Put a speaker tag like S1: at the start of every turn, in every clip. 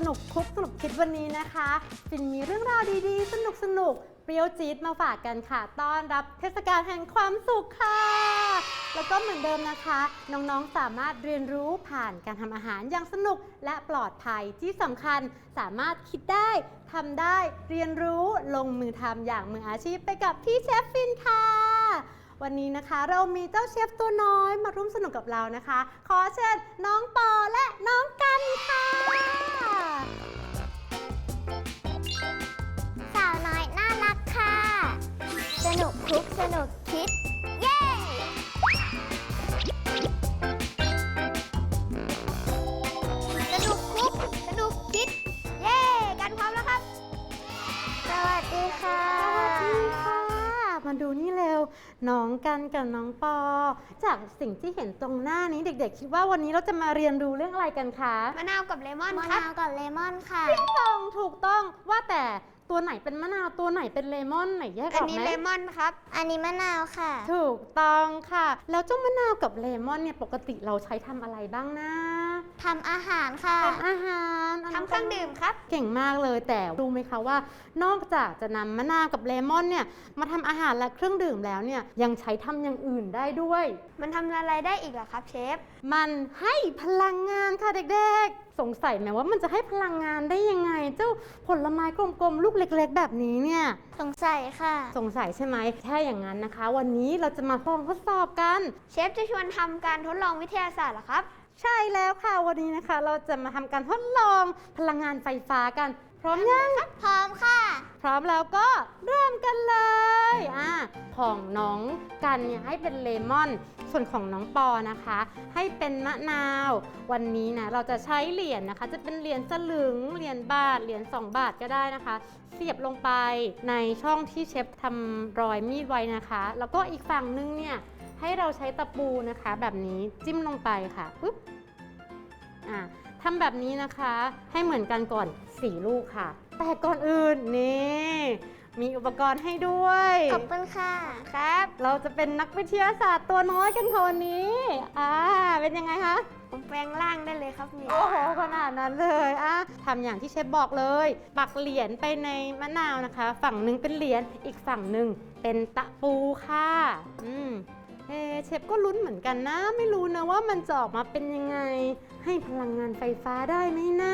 S1: นุกคุกสนุกคิดวันนี้นะคะฟินมีเรื่องราวดีๆสนุกเปรี้ยวจี๊ดมาฝากกันค่ะต้อนรับเทศกาลแห่งความสุขค่ะแล้วก็เหมือนเดิมนะคะน้องๆสามารถเรียนรู้ผ่านการทำอาหารอย่างสนุกและปลอดภัยที่สำคัญสามารถคิดได้ทำได้เรียนรู้ลงมือทำอย่างมืออาชีพไปกับพี่เชฟฟินค่ะวันนี้นะคะเรามีเจ้าเชฟตัวน้อยมาร่วมสนุกกับเรานะคะขอเชิญน้องปอและน้องกันค่ะ
S2: สาวน้อยน่ารักค่ะสนุกคลุกสนุกคิดเย้สนุกคลุกสนุกคิดเย้กันพร้อมแล้วครับสวัสดีค่ะ
S1: สวัสดีค่ะมาดูนี่เร็วน้องกันกับน้องปอจากสิ่งที่เห็นตรงหน้านี้เด็กๆคิดว่าวันนี้เราจะมาเรียนรู้เรื่องอะไรกันคะ
S2: มะนาวกับเลมอนครับมะนาวกับเลมอนค่ะ
S1: ถูกต้องว่าแต่ตัวไหนเป็นมะนาวตัวไหนเป็นเลมอนไหนแยกออกไหม
S2: อันนี้เลมอนครับอันนี้มะนาวค่ะ
S1: ถูกต้องค่ะแล้วเจ้ามะนาวกับเลมอนเนี่ยปกติเราใช้ทำอะไรบ้างนะ
S2: ทำอาหารค่ะ
S1: ทำอาหาร
S2: ทำเครื่องดื่มครับ
S1: เก่งมากเลยแต่รู้ไหมคะว่านอกจากจะนำมะนาวกับเลมอนเนี่ยมาทำอาหารและเครื่องดื่มแล้วเนี่ยยังใช้ทำอย่างอื่นได้ด้วย
S2: มันทำอะไรได้อีกเหรอครับเชฟ
S1: มันให้พลังงานค่ะเด็กๆสงสัยไหมว่ามันจะให้พลังงานได้ยังไงเจ้าผลไม้กลมๆลูกเล็กๆแบบนี้เนี่ย
S2: สงสัยค่ะ
S1: สงสัยใช่ไหมถ้าอย่างนั้นนะคะวันนี้เราจะมาลองทดสอบกัน
S2: เชฟจะชวนทำการทดลองวิทยาศาสตร์เหรอครับ
S1: ใช่แล้วค่ะวันนี้นะคะเราจะมาทำการทดลองพลังงานไฟฟ้ากันพร้อมยัง
S2: พร้อมค่ะ
S1: พร้อมแล้วก็เริ่มกันเลยของน้องกันเนี่ยให้เป็นเลมอนส่วนของน้องปอนะคะให้เป็นมะนาววันนี้นะเราจะใช้เหรียญนะคะจะเป็นเหรียญสลึงเหรียญบาทเหรียญ2 บาทก็ได้นะคะเสียบลงไปในช่องที่เชฟทำรอยมีดไว้นะคะแล้วก็อีกฝั่งนึงเนี่ยให้เราใช้ตะปูนะคะแบบนี้จิ้มลงไปค่ะปุ๊บทำแบบนี้นะคะให้เหมือนกันก่อน4 ลูกค่ะแต่ก่อนอื่นนี่มีอุปกรณ์ให้ด้วย
S2: ขอบคุณค่ะครับ
S1: เราจะเป็นนักวิทยาศาสตร์ตัวน้อยกันค่ะวันนี้เป็นยังไงคะ
S2: ผมแปลงร่างได้เลยครับนี่
S1: โอ้โหขนาดนั้นเลยทำอย่างที่เชฟบอกเลยปักเหรียญไปในมะนาวนะคะฝั่งหนึ่งเป็นเหรียญอีกฝั่งหนึ่งเป็นตะปูค่ะเชฟก็ลุ้นเหมือนกันนะไม่รู้นะว่ามันจะออกมาเป็นยังไงให้พลังงานไฟฟ้าได้ไหมนะ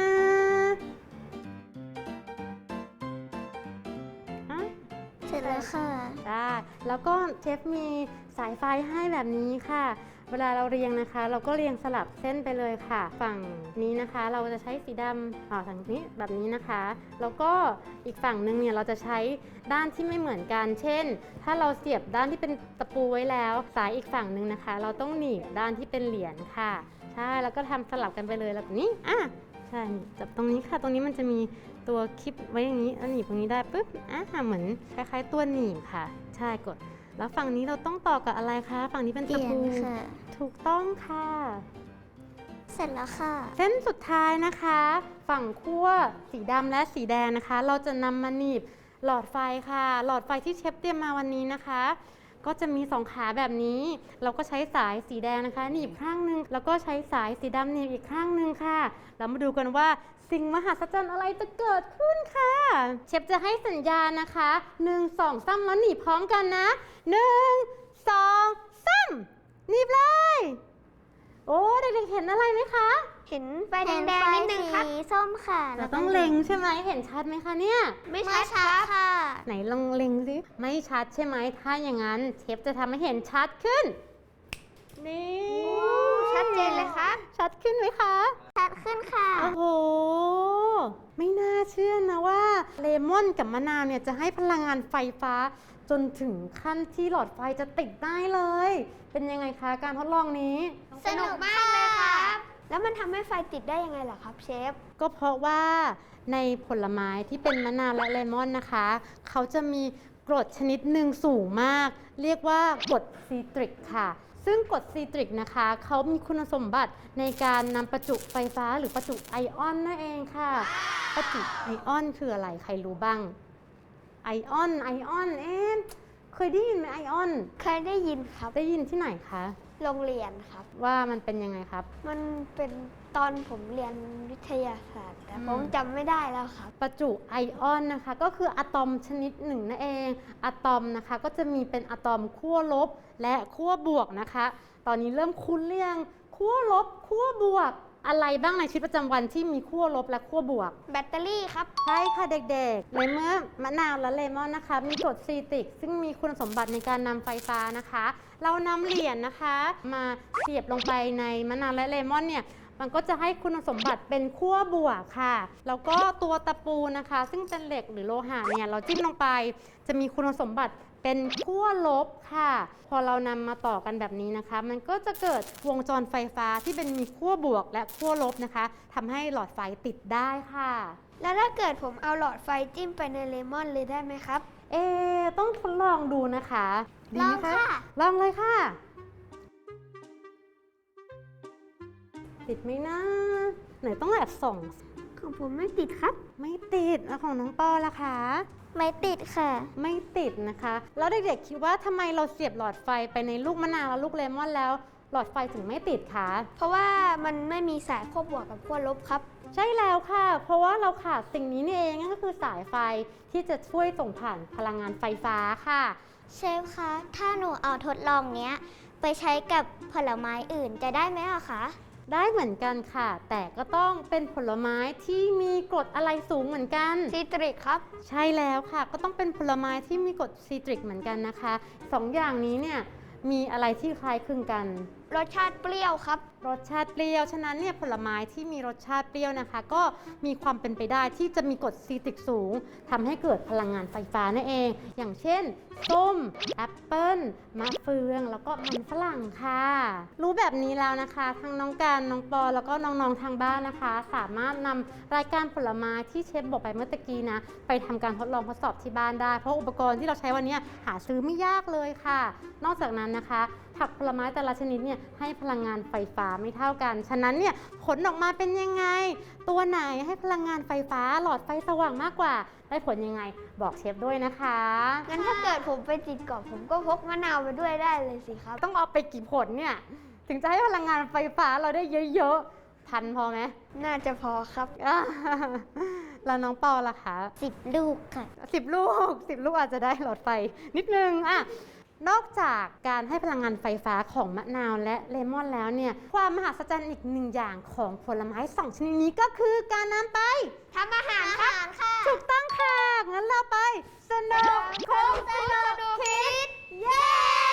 S2: เสร็จแล้วค่ะ
S1: ได้แล้วก็เชฟมีสายไฟให้แบบนี้ค่ะเวลาเราเรียงนะคะเราก็เรียงสลับเส้นไปเลยค่ะฝั่งนี้นะคะเราจะใช้สีดำฝั่งนี้แบบนี้นะคะแล้วก็อีกฝั่งนึงเนี่ยเราจะใช้ด้านที่ไม่เหมือนกันเช่นถ้าเราเสียบด้านที่เป็นตะปูไว้แล้วสายอีกฝั่งนึงนะคะเราต้องหนีบด้านที่เป็นเหรียญค่ะใช่แล้วก็ทำสลับกันไปเลยแบบนี้ใช่จับตรงนี้ค่ะตรงนี้มันจะมีตัวคลิปไว้อย่างนี้หนีบตรงนี้ได้ปุ๊บเหมือนคล้ายๆตัวหนีบค่ะใช่กดแล้วฝั่งนี้เราต้องต่อกับอะไรคะฝั่งนี้เป็นตะปูถูกต้องค่ะ
S2: เสร็จแล้วค่ะ
S1: เส้นสุดท้ายนะคะฝั่งขั้วสีดำและสีแดงนะคะเราจะนำมาหนีบหลอดไฟค่ะหลอดไฟที่เชฟเตรียมมาวันนี้นะคะก็จะมี2 ขาแบบนี้เราก็ใช้สายสีแดงนะคะหนีบข้างนึงแล้วก็ใช้สายสีดำหนีบอีกข้างนึงค่ะเรามาดูกันว่าสิ่งมหัศจรรย์อะไรจะเกิดขึ้นค่ะเชฟจะให้สัญญาณนะคะ1 2 3แล้วหนีบพร้อมกันนะ1 2 3หนีบเลยโอ้เด็กๆเห็นอะไรไหมคะ
S2: เห็นไฟแดงๆนิดนึงครับสีส้มค่ะ
S1: เราต้องเล็งใช่ไหมเห็นชัดไหมคะเนี่ย
S2: ไม่ชัดค่ะ
S1: ไหนลองเล็งสิไม่ชัดใช่ไหมถ้าอย่างนั้นเชฟจะทำให้เห็นชัดขึ้นนี่
S2: ชัดเจนเลยครับ
S1: ชัดขึ้นไหมคะ
S2: ชัดขึ้นค่ะ
S1: โอ้โหไม่น่าเชื่อนะว่าเลมอนกับมะนาวเนี่ยจะให้พลังงานไฟฟ้าจนถึงขั้นที่หลอดไฟจะติดได้เลยเป็นยังไงคะการทดลองนี้
S2: สนุกมากเลยครับแล้วมันทำให้ไฟติดได้ยังไงล่ะครับเชฟ
S1: ก็เพราะว่าในผลไม้ที่เป็นมะนาวและเลมอนนะคะเขาจะมีกรดชนิดหนึ่งสูงมากเรียกว่ากรดซีตริกค่ะซึ่งกรดซีตริกนะคะเขามีคุณสมบัติในการนำประจุไฟฟ้าหรือประจุไอออนนั่นเองค่ะประจุไอออนคืออะไรใครรู้บ้างไอออนเคยได้ยินไหมไอออน
S2: เคยได้ยินครับ
S1: ได้ยินที่ไหนคะ
S2: โรงเรียนครับ
S1: ว่ามันเป็นยังไงครับ
S2: มันเป็นตอนผมเรียนวิทยาศาสตร์แต่ผมจำไม่ได้แล้วครับ
S1: ประจุไอออนนะคะก็คืออะตอมชนิดหนึ่งนั่นเองอะตอมนะคะก็จะมีเป็นอะตอมขั้วลบและขั้วบวกนะคะ ตอนนี้เริ่มคุ้นเรื่องขั้วลบขั้วบวกอะไรบ้างในชีวิตประจำวันที่มีขั้วลบและขั้วบวก
S2: แบตเตอรี่ครับ
S1: ใช่ค่ะเด็กๆในเมื่อมะนาวและเลมอนนะคะมีกรดซีตริกซึ่งมีคุณสมบัติในการนำไฟฟ้านะคะ เรานำเหรียญนะคะมาเสียบลงไปในมะนาวและเลมอนเนี่ยมันก็จะให้คุณสมบัติเป็นขั้วบวกค่ะแล้วก็ตัวตะปูนะคะซึ่งเป็นเหล็กหรือโลหะเนี่ยเราจิ้มลงไปจะมีคุณสมบัติเป็นขั้วลบค่ะพอเรานำมาต่อกันแบบนี้นะคะมันก็จะเกิดวงจรไฟฟ้าที่เป็นมีขั้วบวกและขั้วลบนะคะทำให้หลอดไฟติดได้ค่ะ
S2: แล้วถ้าเกิดผมเอาหลอดไฟจิ้มไปในเลมอนเลยได้ไหมครับ
S1: ต้องทดลองดูนะคะดีไหม
S2: ลองค่ะ
S1: ลองเลยค่ะ ติดไหมนะไหนต้องแอบส่อง
S2: ของผมไม่ติดครับ
S1: ไม่ติดแล้วของน้องปอล่ะคะ
S2: ไม่ติดค่ะ
S1: ไม่ติดนะคะ แล้วเด็กๆคิดว่าทำไมเราเสียบหลอดไฟไปในลูกมะนาวและลูกเลมอนแล้ว หลอดไฟถึงไม่ติดคะ
S2: เพราะว่ามันไม่มีสายขั้วบวกกับขั้วลบครับ
S1: ใช่แล้วค่ะ เพราะว่าเราขาดสิ่งนี้นี่เองนั่นก็คือสายไฟที่จะช่วยส่งผ่านพลังงานไฟฟ้าค่ะ
S3: เชฟคะ ถ้าหนูเอาทดลองเนี้ย ไปใช้กับผลไม้อื่นจะได้ไหมอะคะ
S1: ได้เหมือนกันค่ะ แต่ก็ต้องเป็นผลไม้ที่มีกรดอะไรสูงเหมือนกัน
S2: ซีตริกครับ
S1: ใช่แล้วค่ะ ก็ต้องเป็นผลไม้ที่มีกรดซีตริกเหมือนกันนะคะสองอย่างนี้เนี่ยมีอะไรที่คล้ายคลึงกัน
S2: รสชาติเปรี้ยวครับ
S1: รสชาติเปรี้ยว ฉะนั้นเนี่ยผลไม้ที่มีรสชาติเปรี้ยวนะคะ ก็มีความเป็นไปได้ที่จะมีกรดซีตริกสูงทำให้เกิดพลังงานไฟฟ้านั่นเอง อย่างเช่นส้มแอปเปิ้ลมะเฟืองแล้วก็มันฝรั่งค่ะ รู้แบบนี้แล้วนะคะทั้งน้องการน้องปอแล้วก็น้องๆทางบ้านนะคะ สามารถนำรายการผลไม้ที่เชฟบอกไปเมื่อตะกี้นะไปทำการทดลองทดสอบที่บ้านได้เพราะอุปกรณ์ที่เราใช้วันนี้หาซื้อไม่ยากเลยค่ะ นอกจากนั้นนะคะผักผลไม้แต่ละชนิดเนี่ยให้พลังงานไฟฟ้าไม่เท่ากัน ฉะนั้นเนี่ยผลออกมาเป็นยังไง ตัวไหนให้พลังงานไฟฟ้าหลอดไฟสว่างมากกว่า ได้ผลยังไงบอกเชฟด้วยนะคะ
S2: งั้นถ้าเกิดผมไปติดเกาะผมก็พกมะนาวไปด้วยได้เลยสิครับ
S1: ต้องเอาไปกี่ผลเนี่ยถึงจะให้พลังงานไฟฟ้าเราได้เยอะๆพันพอไหม
S2: น่าจะพอครับ
S1: แล้วน้องปอล่ะคะ
S3: 10 ลูกค่ะ
S1: 10 ลูก 10 ลูกอาจจะได้หลอดไฟนิดนึงนอกจากการให้พลังงานไฟฟ้าของมะนาวและเลมอนแล้วเนี่ยความมหัศจรรย์อีกหนึ่งอย่างของผลไม้2ชนิดนี้ก็คือการนำไป
S2: ทำอาหารครับ
S1: ถูกต้องค่ะงั้นเราไปสนุกคุกสนุกคิดเย้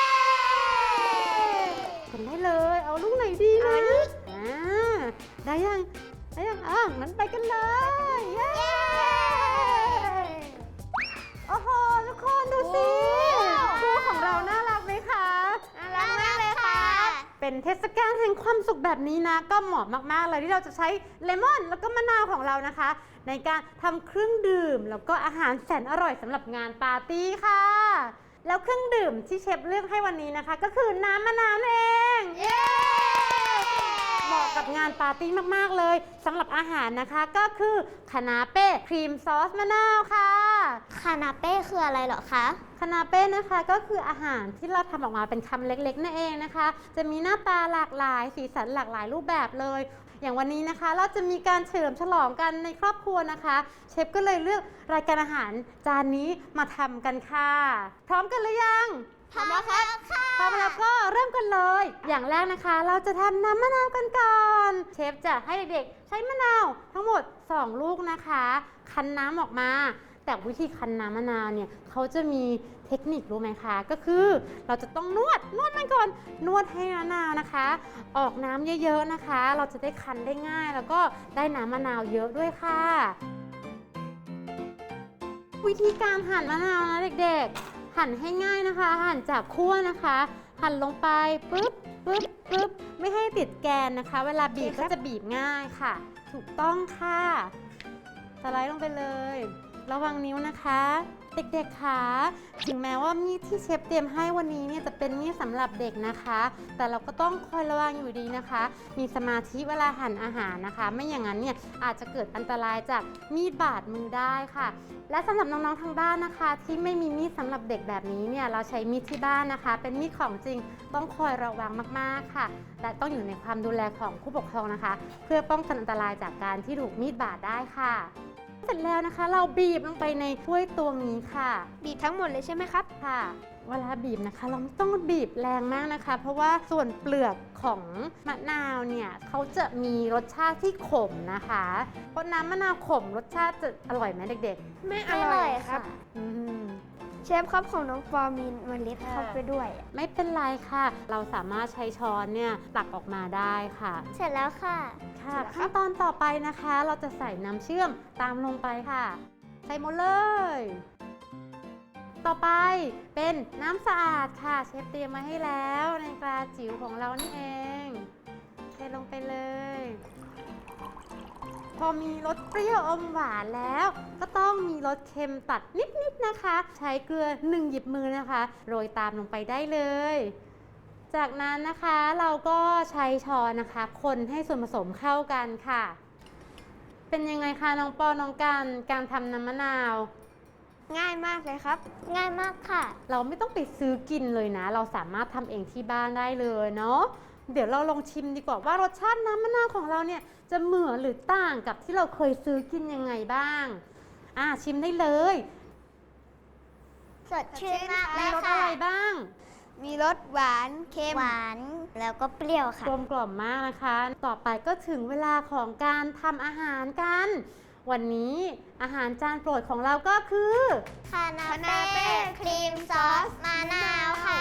S1: กันได้เลยเอาลูกไหนดีนะได้ยังงั้นไปกันเลยเย้โอ้โหทุกคนดูสิคู่ของเราน่ารักไหมคะ
S2: น่ารักมากเลยค่ะ
S1: เป็นเทศกาลแห่งความสุขแบบนี้นะก็เหมาะมากๆเลยที่เราจะใช้เลมอนแล้วก็มะนาวของเรานะคะ ในการทำเครื่องดื่มแล้วก็อาหารแสนอร่อยสำหรับงานปาร์ตี้ค่ะ แล้วเครื่องดื่มที่เชฟเลือกให้วันนี้นะคะ ก็คือน้ำมะนาวนั่นเองเหมาะกับงานปาร์ตี้มากๆเลยสำหรับอาหารนะคะก็คือคานาเป้ครีมซอสมะนาวค่ะ
S3: คานาเป้คืออะไรเหรอคะ
S1: คานาเป้นะคะก็คืออาหารที่เราทำออกมาเป็นคำเล็กๆนั่นเองนะคะ จะมีหน้าตาหลากหลายสีสันหลากหลายรูปแบบเลย อย่างวันนี้นะคะเราจะมีการเฉลิมฉลองกันในครอบครัวนะคะเชฟก็เลยเลือกรายการอาหารจานนี้มาทำกันค่ะ พร้อมกันหรือยัง
S3: พร้อมแล้วครับ
S1: พร้อมแล้วก็เริ่มกันเลย อย่างแรกนะคะเราจะทำน้ำมะนาวกันก่อนเชฟจะให้เด็กๆใช้มะนาวทั้งหมด2 ลูกนะคะคั้นน้ำออกมาแต่วิธีคั้นน้ำมะนาวเนี่ยเขาจะมีเทคนิครู้ไหมคะก็คือเราจะต้องนวดมันก่อนนวดให้มะนาวนะคะ ออกน้ำเยอะๆนะคะ เราจะได้คั้นได้ง่าย แล้วก็ได้น้ำมะนาวเยอะด้วยค่ะ วิธีการหั่นมะนาวนะเด็กๆหั่นให้ง่ายนะคะ หั่นจากขั้วนะคะ หั่นลงไปปึ๊บไม่ให้ติดแกนนะคะ เวลาบีบก็จะบีบง่ายค่ะ ถูกต้องค่ะสไลด์ลงไปเลยระวังนิ้วนะคะ เด็กๆคะถึงแม้ว่ามีดที่เชฟเตรียมให้วันนี้เนี่ยจะเป็นมีดสำหรับเด็กนะคะ แต่เราก็ต้องคอยระวังอยู่ดีนะคะ มีสมาธิเวลาหั่นอาหารนะคะ ไม่อย่างนั้นเนี่ยอาจจะเกิดอันตรายจากมีดบาดมือได้ค่ะ และสำหรับน้องๆทางบ้านนะคะ ที่ไม่มีมีดสำหรับเด็กแบบนี้เนี่ยเราใช้มีดที่บ้านนะคะ เป็นมีดของจริงต้องคอยระวังมากๆค่ะ และต้องอยู่ในความดูแลของผู้ปกครองนะคะ เพื่อป้องกันอันตรายจากการที่ถูกมีดบาดได้ค่ะ เสร็จแล้วนะคะเราบีบลงไปในถ้วยตวงนี้ค่ะ
S2: บีบทั้งหมดเลยใช่ไหมครับ
S1: ค่ะ เวลาบีบนะคะเราไม่ต้องบีบแรงมากนะคะ เพราะว่าส่วนเปลือกของมะนาวเนี่ยเขาจะมีรสชาติที่ขมนะคะ เพราะน้ำมะนาวขมรสชาติจะอร่อยไหมเด็ก
S2: ไม่อ
S3: ไม่อ
S2: ร่
S3: ร่
S2: อ
S3: อย ย
S2: ครั
S3: ค่ะ
S2: บ
S1: ๆ
S2: เชฟครับของน้องฟอร์มีเมล็ดเข้าไปด้วย
S1: ไม่เป็นไรค่ะ เราสามารถใช้ช้อนเนี่ยตักออกมาได้ค่ะ
S3: เสร็จแล้วค่ะ
S1: ค่ะ
S2: เสร็จแล้วครับ
S1: ขั้นตอนต่อไปนะคะ เราจะใส่น้ำเชื่อมตามลงไปค่ะ ใส่หมดเลย ต่อไปเป็นน้ำสะอาดค่ะ เชฟเตรียมมาให้แล้วในกระจิ๋วของเรานี่เองเทลงไปเลย พอมีรสเปรี้ยวอมหวานแล้ว ก็ต้องมีรสเค็มตัดนิดๆนะคะ ใช้เกลือ1 หยิบมือนะคะโรยตามลงไปได้เลย จากนั้นนะคะเราก็ใช้ช้อนนะคะ คนให้ส่วนผสมเข้ากันค่ะ เป็นยังไงคะน้องปอน้องกันการทำน้ำมะนาว
S2: ง่ายมากเลยครับ
S3: ง่ายมากค่ะ
S1: เราไม่ต้องไปซื้อกินเลยนะ เราสามารถทำเองที่บ้านได้เลยเนาะเดี๋ยวเราลองชิมดีกว่าว่ารสชาติน้ำมะนาวของเราเนี่ยจะเหมือนหรือต่างกับที่เราเคยซื้อกินยังไงบ้างชิมได้เลย
S3: สดชื่นมากเล
S1: มี
S3: ย
S1: รส
S3: ค่ะ
S1: อะไรบ้าง
S2: มีรสหวานเค็ม
S3: หวานแล้วก็เปรี้ยวค่ะ
S1: กลมกล่อมมากนะคะ ต่อไปก็ถึงเวลาของการทำอาหารกัน วันนี้อาหารจานโปรดของเราก็คือ
S3: คานาเป้ครีมซอสมะนาวค่ะ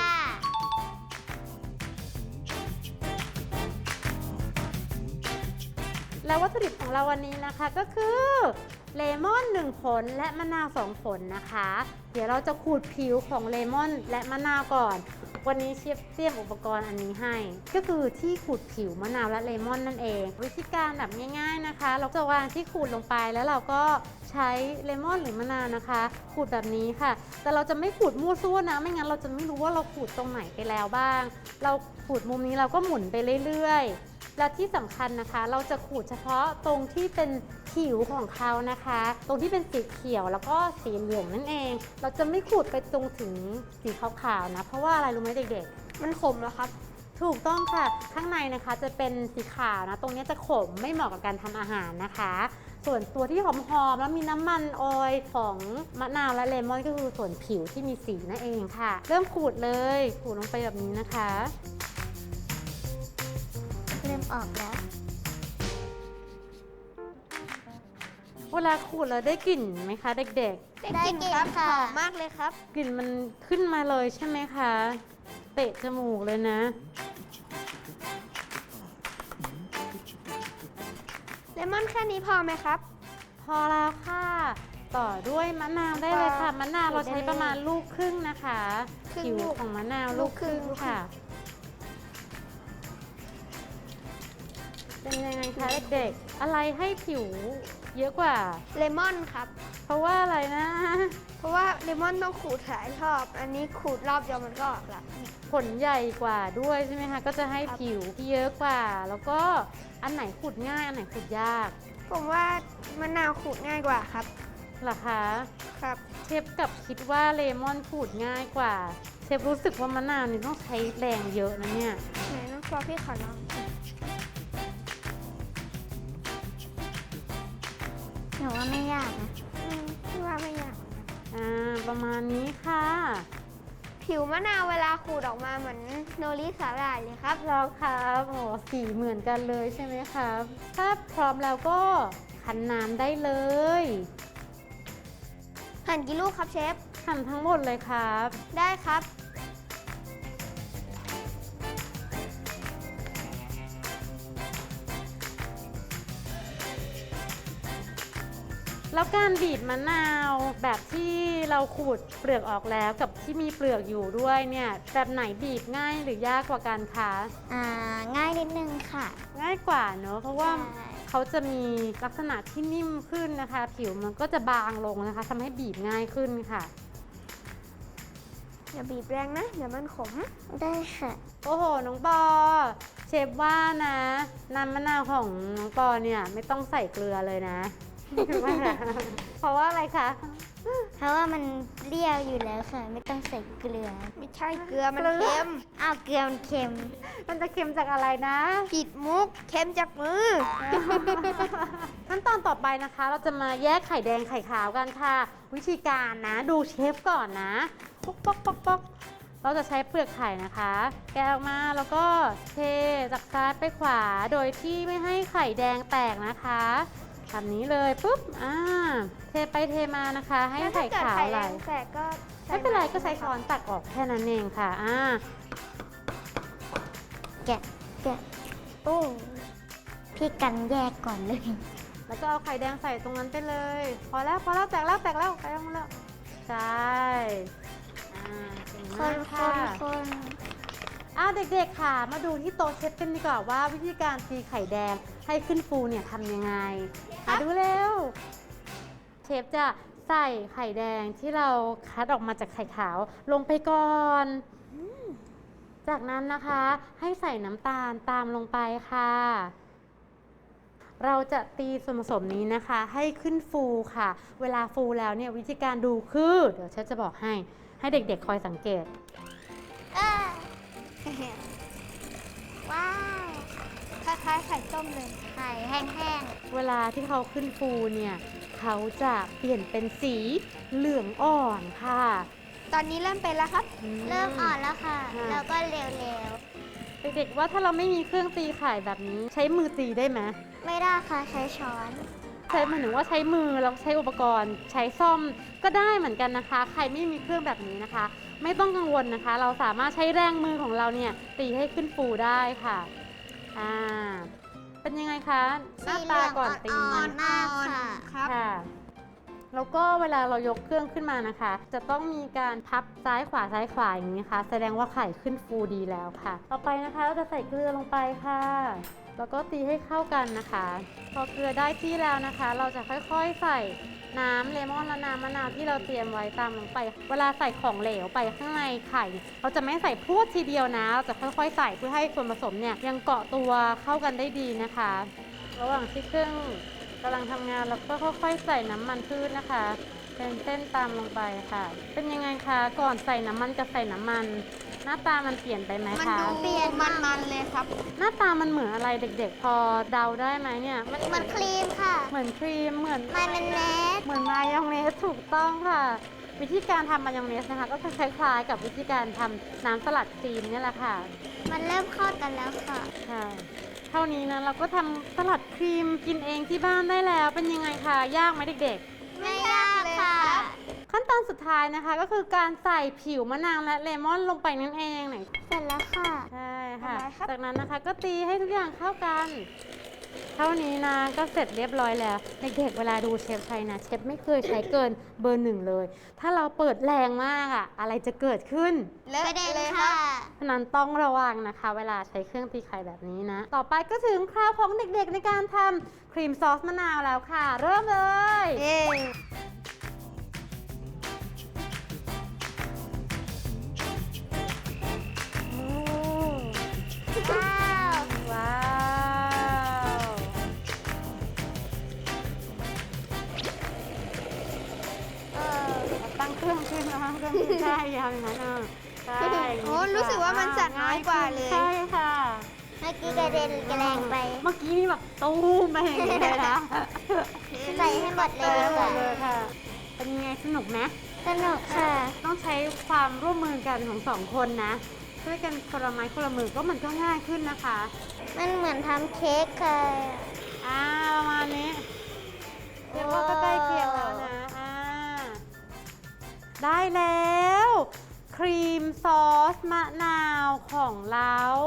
S1: และวัตถุดิบของเราวันนี้นะคะก็คือเลมอน1 ผลและมะนาว2 ผลนะคะ เดี๋ยวเราจะขูดผิวของเลมอนและมะนาวก่อน วันนี้เชฟเตรียมอุปกรณ์อันนี้ให้ ก็คือที่ขูดผิวมะนาวและเลมอนนั่นเอง วิธีการแบบง่ายๆนะคะ เราจะวางที่ขูดลงไปแล้วเราก็ใช้เลมอนหรือมะนาวนะคะขูดแบบนี้ค่ะ แต่เราจะไม่ขูดมั่วซั่วนะ ไม่งั้นเราจะไม่รู้ว่าเราขูดตรงไหนไปแล้วบ้าง เราขูดมุมนี้เราก็หมุนไปเรื่อยๆ และที่สำคัญนะคะ เราจะขูดเฉพาะตรงที่เป็นผิวของเขานะคะ ตรงที่เป็นสีเขียวแล้วก็สีเหลืองนั่นเอง เราจะไม่ขูดไปตรงถึงสีขาวๆนะ เพราะว่าอะไรรู้ไหมเด็กๆ
S2: มันขมแล้วครับ
S1: ถูกต้องค่ะ ข้างในนะคะจะเป็นสีขาวนะ ตรงนี้จะขมไม่เหมาะกับการทำอาหารนะคะ ส่วนตัวที่หอมๆแล้วมีน้ำมันออยล์ของมะนาวและเลมอนก็คือส่วนผิวที่มีสีนั่นเองค่ะ เริ่มขูดเลยขูดลงไปแบบนี้นะคะ
S3: เริ่มออกแล้ว
S1: เวลาขูดแล้วได้กลิ่นไหมคะเด็ก
S2: ได้กลิ่นครับ
S3: ได้กลิ่นค่ะ
S2: หอมมากเลยครับ
S1: ๆ กลิ่นมันขึ้นมาเลยใช่ไหมคะเตะจมูกเลยนะ
S2: เลมอนแค่นี้พอไหมครับ
S1: พอแล้วค่ะ ต่อด้วยมะนาวได้เลยค่ะ มะนาวเราใช้ประมาณลูกครึ่งนะคะ
S2: ครึ่ง
S1: ผิว
S2: ลูก
S1: ของมะนาวลูกครึ่ง
S2: ลูกครึ่ง
S1: ค่ะ เป็นยังไงคะเด็กๆ อะไรให้ผิวเยอะกว่า
S2: เลมอนครับ
S1: เพราะว่าอะไรนะ
S2: เพราะว่าเลมอนต้องขูดหลายรอบ อันนี้ขูดรอบเดียวมันก็ออกละ
S1: ผลใหญ่กว่าด้วยใช่ไหมคะ ก็จะให้
S2: ครับ
S1: ผิวที่เยอะกว่า แล้วก็อันไหนขูดง่าย อันไหนขูดยาก
S2: ผมว่ามะนาวขูดง่ายกว่าครับ
S1: เหรอคะ
S2: ครับ
S1: เชฟกับคิดว่าเลมอนขูดง่ายกว่า เชฟรู้สึกว่ามะนาวนี่ต้องใช้แรงเยอะนะเนี่ย
S2: ไหนน้องฟอร์พี่ขอลอง
S3: หนูว่าไม่ยากนะ
S2: พี่ว่าไม่ยาก
S1: ประมาณนี้ค่ะ
S2: ผิวมะนาวเวลาขูดออกมาเหมือนโนริสาหร่ายเลยครับ
S1: แล้วครับโอ้สีเหมือนกันเลยใช่ไหมครับ ถ้าพร้อมแล้วก็คั้นน้ำได้เลย
S2: หั่นกี่ลูกครับเชฟ
S1: หั่นทั้งหมดเลยครับ
S2: ได้ครับ
S1: แล้วการบีบมะนาวแบบที่เราขูดเปลือกออกแล้วกับที่มีเปลือกอยู่ด้วยเนี่ยแบบไหนบีบง่ายหรือยากกว่ากันคะ
S3: ง่ายนิดนึงค่ะ
S1: ง่ายกว่าเนอะเพราะว่า
S3: ใช่
S1: เขาจะมีลักษณะที่นิ่มขึ้นนะคะ ผิวมันก็จะบางลงนะคะทำให้บีบง่ายขึ้นค่ะ
S2: อย่าบีบแรงนะ เดี๋ยวมันขม
S3: ได้ค่ะ
S1: โอ้โห น้องปอ เชฟว่านะน้ำมะนาวของน้องปอเนี่ยไม่ต้องใส่เกลือเลยนะ เพราะว่าอะไรคะ
S3: เพราะว่ามันเปรี้ยวอยู่แล้วค่ะ ไม่ต้องใส่เกลือ
S2: ไม่ใช่เกลือมันเค็ม
S3: อ้าวเกลือมันเค็ม
S1: มันจะเค็มจากอะไรนะ
S2: ผิดมุก เค็มจากมือ
S1: ขั้นตอนต่อไปนะคะ เราจะมาแยกไข่แดงไข่ขาวกันค่ะ วิธีการนะดูเชฟก่อนนะป๊อกป๊อกป๊อกป๊อกเราจะใช้เปลือกไข่นะคะ แกะออกมาแล้วก็เทจากซ้ายไปขวาโดยที่ไม่ให้ไข่แดงแตกนะคะแบบนี้เลยปุ๊บเทไปเทมานะคะ ให้ไข่ขาวไหล
S2: แต่ก็
S1: ไม่เป็นไรก็ใช้ช้อนตักออกแค่นั้นเองค่ะ
S3: แกะโอ้พี่กันแยกก่อนเลย
S1: แล้วก็เอาไข่แดงใส่ตรงนั้นไปเลย พอแล้วแตกแล้วไข่แดงแล้วใช่เก่ง
S3: ค
S1: มาก
S3: น
S1: ค่ะ
S3: คน
S1: เด็กๆค่ะ มาดูที่โต๊ะเชฟกันดีกว่าว่าวิธีการตีไข่แดงให้ขึ้นฟูเนี่ยทำยังไงมาดูเร็ว เชฟจะใส่ไข่แดงที่เราคัดออกมาจากไข่ขาวลงไปก่อน จากนั้นนะคะให้ใส่น้ำตาลตามลงไปค่ะ เราจะตีส่วนผสมนี้นะคะ ให้ขึ้นฟูค่ะ เวลาฟูแล้วเนี่ยวิธีการดูคือเดี๋ยวเชฟจะบอกให้เด็กๆคอยสังเกต
S3: ว้าว
S2: คล้ายๆไข่ต้มเลย
S3: ไข่แห้ง
S1: เวลาที่เขาขึ้นฟูเนี่ยเขาจะเปลี่ยนเป็นสีเหลืองอ่อนค่ะ
S2: ตอนนี้เริ่มเป็นแล้วครับ
S3: ๆ เริ่มอ่อนแล้วค่ะ
S1: ค่ะ
S3: แล้วก็เร็ว
S1: เด็กๆว่าถ้าเราไม่มีเครื่องตีไข่แบบนี้ ใช้มือตีได้ไหม
S3: ๆ ไม่ได้ค่ะใช้ช้อน
S1: ใช้หมายถึงว่าใช้มือแล้วใช้อุปกรณ์ใช้ซ่อมก็ได้เหมือนกันนะคะ ใครไม่มีเครื่องแบบนี้นะคะ ไม่ต้องกังวลนะคะ เราสามารถใช้แรงมือของเราเนี่ยตีให้ขึ้นฟูได้ค่ะเป็นยังไงคะหน้าตาก่อนตี
S3: อ่อนมากค่ะ
S2: ครับ
S1: ค่ะแล้วก็เวลาเรายกเครื่องขึ้นมานะคะ จะต้องมีการพับซ้ายขวาอย่างนี้ค่ะแสดงว่าไข่ขึ้นฟูดีแล้วค่ะ ต่อไปนะคะเราจะใส่เกลือลงไปค่ะ แล้วก็ตีให้เข้ากันนะคะ พอเกลือได้ที่แล้วนะคะ เราจะค่อยๆใส่น้ำเลมอนและน้ำมะนาวที่เราเตรียมไว้ตามลงไป เวลาใส่ของเหลวไปข้างในไข่ เราจะไม่ใส่พรวดทีเดียวนะเราจะค่อยๆใส่เพื่อให้ส่วนผสมเนี่ยยังเกาะตัวเข้ากันได้ดีนะคะ ระหว่างที่เครื่องกำลังทำงานเราก็ค่อยๆใส่น้ำมันพืชนะคะ เป็นเส้นตามลงไปค่ะ เป็นยังไงคะก่อนใส่น้ำมันกับใส่น้ำมัน หน้าตามันเปลี่ยนไปไหม
S2: มัน
S1: คะ
S2: ดู
S3: เปลี่ยน
S2: มันๆเลยครับ
S1: หน้าตามันเหมือนอะไรเด็กๆ พอเดาได้ไหมเนี่ยมัน
S3: มันครีมค่ะ
S1: เหมือนครีมเหมือน
S3: มันเป็นเนส
S1: เหมือนมายองเนสถูกต้องค่ะ วิธีการทำมายองเนสนะคะ ก็คล้ายๆกับวิธีการทำน้ำสลัดครีมเนี่ยแหละค่ะ
S3: มันเริ่มเข้ากันแล้วค่ะ
S1: ค่ะเท่านี้นะเราก็ทำสลัดครีมกินเองที่บ้านได้แล้วเป็นยังไงคะยากไหมเด็กๆ
S3: ไม่ยากค่ะ
S1: ขั้นตอนสุดท้ายนะคะก็คือการใส่ผิวมะนาวและเลมอนลงไปนั่นเองไหน
S3: เสร็จแล้วค่ะ
S1: ใช่ค่ะ
S2: ทำไมครับ
S1: จากนั้นนะคะก็ตีให้ทุกอย่างเข้ากัน เท่านี้นะก็เสร็จเรียบร้อยแล้วเด็กๆเวลาดูเชฟใช้นะเชฟไม่เคยใช้เกินเบอร์ 1เลย ถ้าเราเปิดแรงมากอะอะไรจะเกิดขึ้น
S2: เลอะ
S3: ประเด็น
S2: เลยค
S3: ค่ะ
S2: รับ
S1: ฉะนั้นต้องระวังนะคะ เวลาใช้เครื่องตีไข่แบบนี้นะ ต่อไปก็ถึงคราวของเด็กๆในการทำครีมซอสมะนาวแล้วค่ะ เริ่มเลย
S2: เย้
S3: ว้าว
S1: ว้าว ตั้งเครื่องขึ้นนะคะเครื่องขึ้นใช่ยาวอย่างนั้นใช่
S2: โอ้รู้สึกว่ามันสั่นน้อยกว่าเลย
S1: ใช่ค่ะ
S3: เมื่อกี้กระเด็นกระแรงไป
S1: เมื่อกี้นี่แบบตู้มไปอย่างนี้เลยนะ
S3: ใส่ให้หมดเล
S1: ใช่
S3: ย
S1: หม
S3: ค่ะ
S1: ดเลยค่ะ เป็นยังไงสนุกไหม
S3: สนุกค่ะ
S1: ต้องใช้ความร่วมมือกันของสองคนนะช่วยกันคนละไม้คนละมือก็มันก็ง่ายขึ้นนะคะ
S3: มันเหมือนทำเค้กค่ะ
S1: ประมาณนี้เรียกว่าก็ใกล้เคียงแล้วนะได้แล้ว ครีมซอสมะนาวของเรา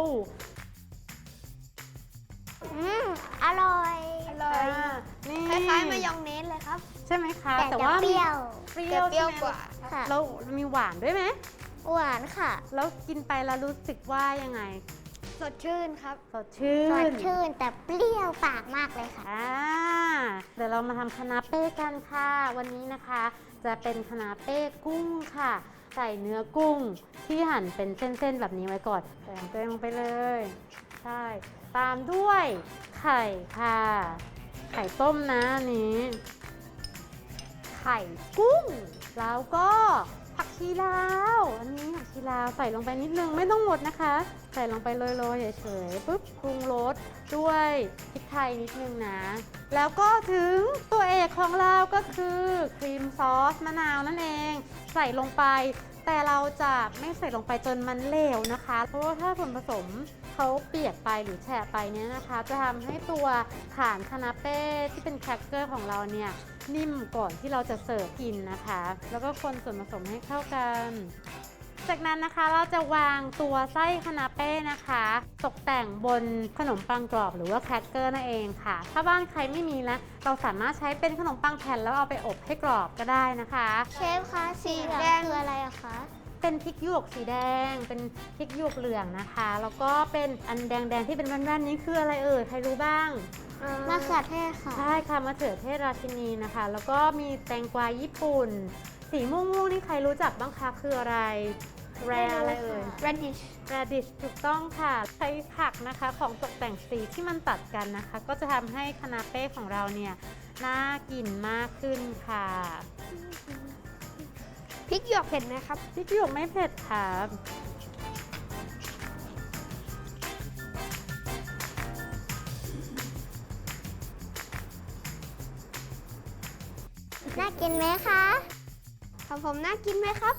S3: อร่อย
S2: อร่อย
S1: นี่
S2: คล้ายๆมายองเนสเลยครับ
S1: ใช่ไหมคะ
S3: แต่จะ
S1: ว่า
S3: เปรี้ยว
S1: เปรี้
S2: แต่
S1: ยว
S2: เปรี้ยว
S1: ใช่ไหม
S2: กว่า
S3: ค่ะ
S1: แล้วมีหวานด้วยไหม
S3: หวานค่ะ
S1: แล้วกินไปแล้วรู้สึกว่ายังไง
S2: สดชื่นครับ
S1: สดชื่
S3: สด
S1: น
S3: ชื่นแต่เปรี้ยวปากมากเลยค่ะ
S1: เดี๋ยวเรามาทำคานาเป้กันค่ะ วันนี้นะคะจะเป็นคานาเป้กุ้งค่ะ ใส่เนื้อกุ้งที่หั่นเป็นเส้นๆแบบนี้ไว้ก่อนใส่ตัวเองลงไปเลย ใช่ ตามด้วยไข่ค่ะ ไข่ต้มนะอันนี้ ไข่กุ้ง แล้วก็ผักชีลาว อันนี้ผักชีลาวใส่ลงไปนิดนึงไม่ต้องหมดนะคะ ใส่ลงไปโรยๆเฉยๆปุ๊บปรุงรสด้วยพริกไทยนิดนึงนะ แล้วก็ถึงตัวเอกของเราก็คือครีมซอสมะนาวนั่นเอง ใส่ลงไป แต่เราจะไม่ใส่ลงไปจนมันเหลวนะคะ เพราะว่าถ้าส่วนผสมเขาเปียกไปหรือแฉะไปเนี่ยนะคะ จะทำให้ตัวฐานคานาเป้ที่เป็นแครกเกอร์ของเราเนี่ยนิ่มก่อนที่เราจะเสิร์ฟกินนะคะ แล้วก็คนส่วนผสมให้เข้ากัน จากนั้นนะคะเราจะวางตัวไส้คานาเป้นะคะ ตกแต่งบนขนมปังกรอบหรือว่าแครกเกอร์นั่นเองค่ะ ถ้าบ้านใครไม่มีนะเราสามารถใช้เป็นขนมปังแผ่นแล้วเอาไปอบให้กรอบก็ได้นะคะ
S3: เชฟคะสีเหลือง
S2: แดง
S3: คืออะไรอะคะ
S1: เป็นพริกหยวกสีแดง เป็นพริกหยวกเหลืองนะคะ แล้วก็เป็นอันแดงๆที่เป็นแว่นๆนี้คืออะไรเอ่ยใครรู้บ้าง
S3: มะเขือเทศค่ะ
S1: ใช่ค่ะมะเขือเทศราชินีนะคะ แล้วก็มีแตงกวาญี่ปุ่น สีม่วงๆนี่ใครรู้จักบ้างคะคืออะไรแรอะไรเอ่ย
S2: radish
S1: radish ถูกต้องค่ะใช้ผักนะคะของตกแต่งสีที่มันตัดกันนะคะ ก็จะทำให้คานาเป้ของเราเนี่ยน่ากินมากขึ้นค่ะ
S2: พริกหยวกเผ็ดไหมครับ
S1: พริกหยวกไม่เผ็ดค่ะ
S3: น่ากินไหมคะ
S2: ของผมน่ากินไหมครับ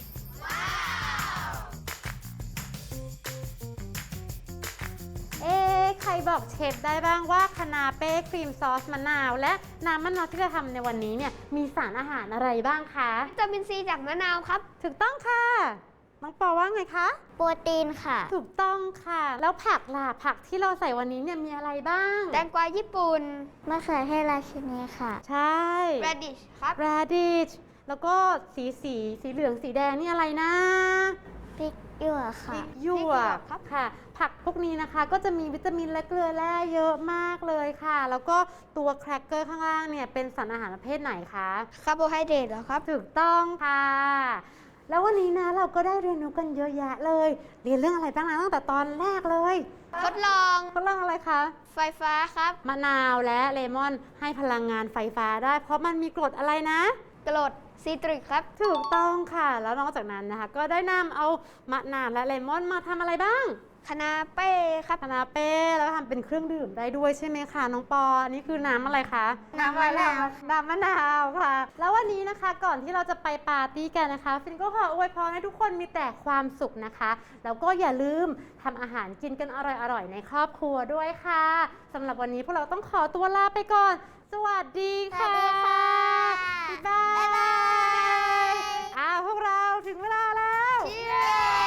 S1: ใครบอกเชฟได้บ้างว่าคานาเป้ครีมซอสมะนาว และน้ำมะนาวที่จะทำในวันนี้เนี่ยมีสารอาหารอะไรบ้างคะ
S2: วิตามินซีจากมะนาวครับ
S1: ถูกต้องค่ะน้องปอว่าไงคะ
S3: โปรตีนค่ะ
S1: ถูกต้องค่ะ แล้วผักล่ะผักที่เราใส่วันนี้เนี่ยมีอะไรบ้าง
S2: แตงกวาญี่ปุ่น
S3: มะเขือเทศราชินีค่ะ
S1: ใช่
S2: radish ครับ
S1: radish แล้วก็สีเหลืองสีแดงนี่อะไรนะ
S3: พริกหยวกค่ะ
S1: พริกหยวกค่ะ ผักพวกนี้นะคะก็จะมีวิตามินและเกลือแร่เยอะมากเลยค่ะ แล้วก็ตัวแครกเกอร์ข้างล่างเนี่ยเป็นสารอาหารประเภทไหนคะ
S2: คาร์โบไฮเดรตเหรอครับ
S1: ถูกต้องค่ะ แล้ววันนี้นะเราก็ได้เรียนรู้กันเยอะแยะเลย เรียนเรื่องอะไรบ้างนะตั้งแต่ตอนแรกเลย
S2: ทดลอง
S1: ทดลองอะไรคะ
S2: ไฟฟ้าครับ
S1: มะนาวและเลมอนให้พลังงานไฟฟ้าได้ เพราะมันมีกรดอะไรนะ
S2: กรดซีตริกครับ
S1: ถูกต้องค่ะ แล้วนอกจากนั้นนะคะ ก็ได้นำเอามะนาวและเลมอนมาทำอะไรบ้าง
S2: คานาเป้ครับ
S1: คานาเป้แล้วทำเป็นเครื่องดื่มได้ด้วยใช่ไหมคะน้องปออันนี้คือน้ำอะไรคะ
S2: น้ำมะนาว
S1: น้ำมะนาวค่ะ แล้ววันนี้นะคะก่อนที่เราจะไปปาร์ตี้กันนะคะ ฟินก็ขออวยพรให้ทุกคนมีแต่ความสุขนะคะ แล้วก็อย่าลืมทำอาหารกินกันอร่อยๆในครอบครัวด้วยค่ะสำหรับวันนี้พวกเราต้องขอตัวลาไปก่อน สวัสดีค่ะ
S3: สวัสดีค่ะ
S1: บ๊ายบาย
S3: บ๊ายบาย
S1: พวกเราถึงเวลาแล้ว
S2: เย้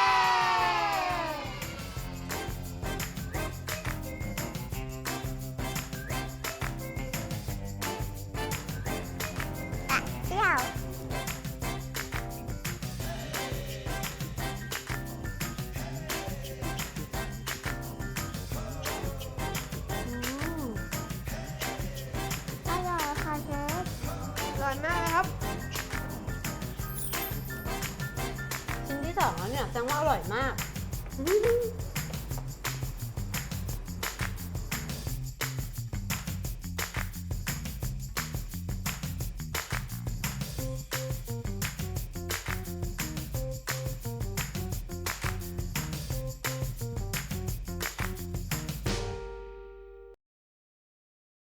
S3: เปรี้ยว อร่อยค่ะเชฟ
S2: อร่อยมากเลยครับ
S1: ชิ้นที่สองแล้วเนี่ยแสดงว่าอร่อยมาก